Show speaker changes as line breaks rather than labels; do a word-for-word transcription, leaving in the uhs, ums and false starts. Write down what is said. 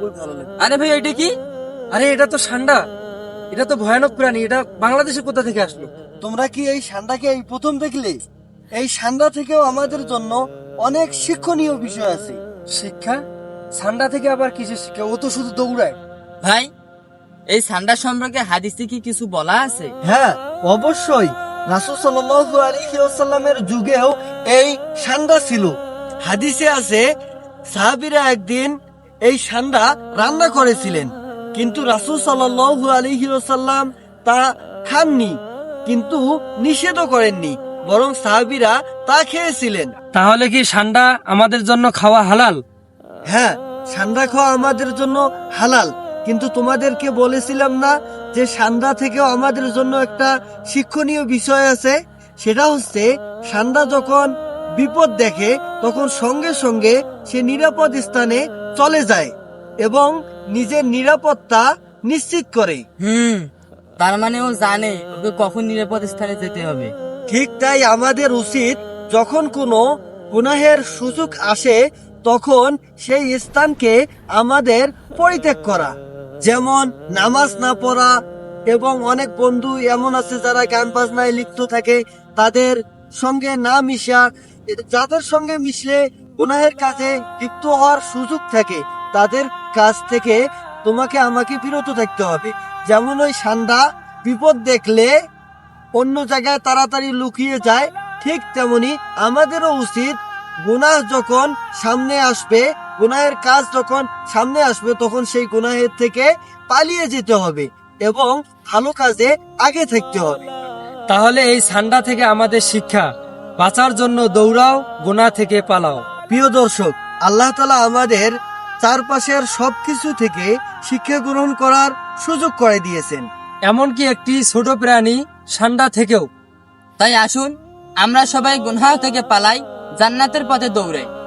খুবই ভালো লাগে।
আরে ভাই এটা কি?
আরে এটা তো ষান্ডা, এটা তো ভয়ানক প্রাণী। এটা বাংলাদেশে কোথা থেকে আসলো?
তোমরা কি এই ষান্ডাকে এই প্রথম দেখলে? এই ষান্ডা থেকেও আমাদের জন্য অনেক শিক্ষণীয় বিষয় আছে।
শিক্ষা? ষান্ডা থেকে আবার কিসের শিক্ষা? ও তো শুধু দৌড়ায়।
ভাই এই সান্ডা সম্পর্কে হাদিসে কি কিছু বলা আছে?
হ্যাঁ, অবশ্যই। রাসূল সাল্লাল্লাহু আলাইহি ওয়াসাল্লামের যুগেও এই ষান্ডা ছিল। হাদিসে আছে সাহাবীরা একদিন এই ষান্ডা রান্না করেছিলেন, কিন্তু রাসূল সাল্লাল্লাহু আলাইহি ওয়াসাল্লাম তা খাননি, কিন্তু নিষেধও করেননি, বরং সাহাবীরা তা খেয়েছিলেন।
তাহলে কি ষান্ডা আমাদের জন্য খাওয়া হালাল?
হ্যাঁ, ষান্ডা খাওয়া আমাদের জন্য হালাল, কিন্তু তোমাদেরকে বলেছিলাম না যে ষান্ডা থেকেও আমাদের জন্য একটা শিক্ষণীয় বিষয় আছে? সেটা হচ্ছে ষান্ডা যখন বিপদ দেখে তখন সঙ্গে সঙ্গে সে নিরাপদ স্থানে চলে যায় এবং নিজের নিরাপত্তা নিশ্চিত করে।
হুম, তার মানে ও জানে ওকে কখন নিরাপদ স্থানে যেতে হবে।
ঠিক তাই আমাদের উচিত যখন কোনো গুনাহের সুযোগ আসে তখন সেই স্থানকে আমাদের পরিত্যাগ করা, যেমন নামাজ না পড়া। এবং অনেক বন্ধু এমন আছে যারা গান বাজনায় লিপ্ত থাকে, তাদের সঙ্গে না মিশা। যাদের সঙ্গে মিশলে গুনাহের কাজে লিপ্ত হওয়ার সুযোগ থাকে, তাদের কাছ থেকে তোমাকে আমাকে বিরত থাকতে হবে। যেমন ওই ষান্ডা বিপদ দেখলে অন্য জায়গায় তাড়াতাড়ি লুকিয়ে যায়, ঠিক তেমনি আমাদেরও উচিত গুনাহ যখন সামনে আসবে, গুনাহের কাজ যখন সামনে আসবে, তখন সেই গুনাহের থেকে পালিয়ে যেতে হবে এবং ভালো কাজে আগে থাকতে হবে।
তাহলে এই ষান্ডা থেকে আমাদের শিক্ষা, বাঁচার জন্য দৌড়াও, গুনাহ থেকে পালাও।
প্রিয় দর্শক, আল্লাহ তাআলা আমাদের চারপাশের সবকিছু থেকে শিক্ষা গ্রহণ করার সুযোগ করে দিয়েছেন,
এমনকি একটি ছোট প্রাণী ষান্ডা থেকেও।
তাই আসুন আমরা সবাই গুনাহ থেকে পালাই, জান্নাতের পথে দৌড়াই।